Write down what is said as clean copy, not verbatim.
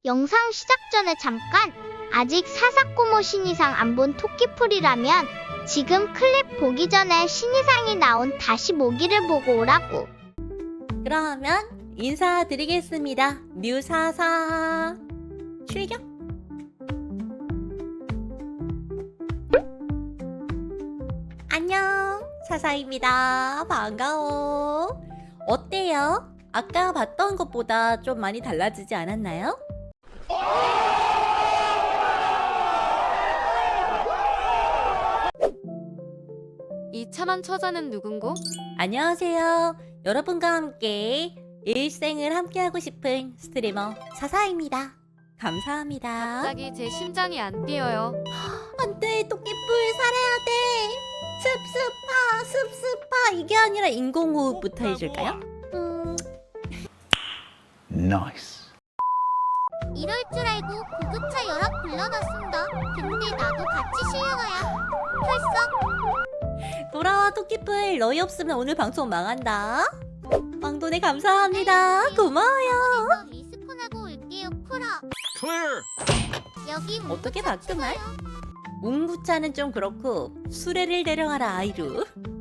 영상 시작 전에 잠깐! 아직 사사코모 신이상 안 본 토끼풀이라면 지금 클립 보기 전에 신이상이 나온 다시 모기를 보고 오라고. 그러면 인사드리겠습니다. 뮤사사 출격! 안녕, 사사입니다. 반가워. 어때요? 아까 봤던 것보다 좀 많이 달라지지 않았나요? 이 참한 처자는 누군고? 안녕하세요. 여러분과 함께 일생을 함께하고 싶은 스트리머 사사입니다. 감사합니다. 갑자기 제 심장이 안 뛰어요. 안돼, 토끼뿔 살아야 돼. 습습파 이게 아니라 인공호흡부터 해줄까요? Nice. 이럴 줄 알고 구급차 연락 불러놨습니다. 근데 나도 같이 실려가야. 펄썩. 돌아와 토끼뿔. 너희 없으면 오늘 방송 망한다. 왕돈에 감사합니다. 고마워요. 그래서 리스폰하고 올게요. 풀어. Clear. 여기 어떻게 문구차 바꾸나요? 추가요. 웅구차는 좀 그렇고 수레를 데려가라 아이루.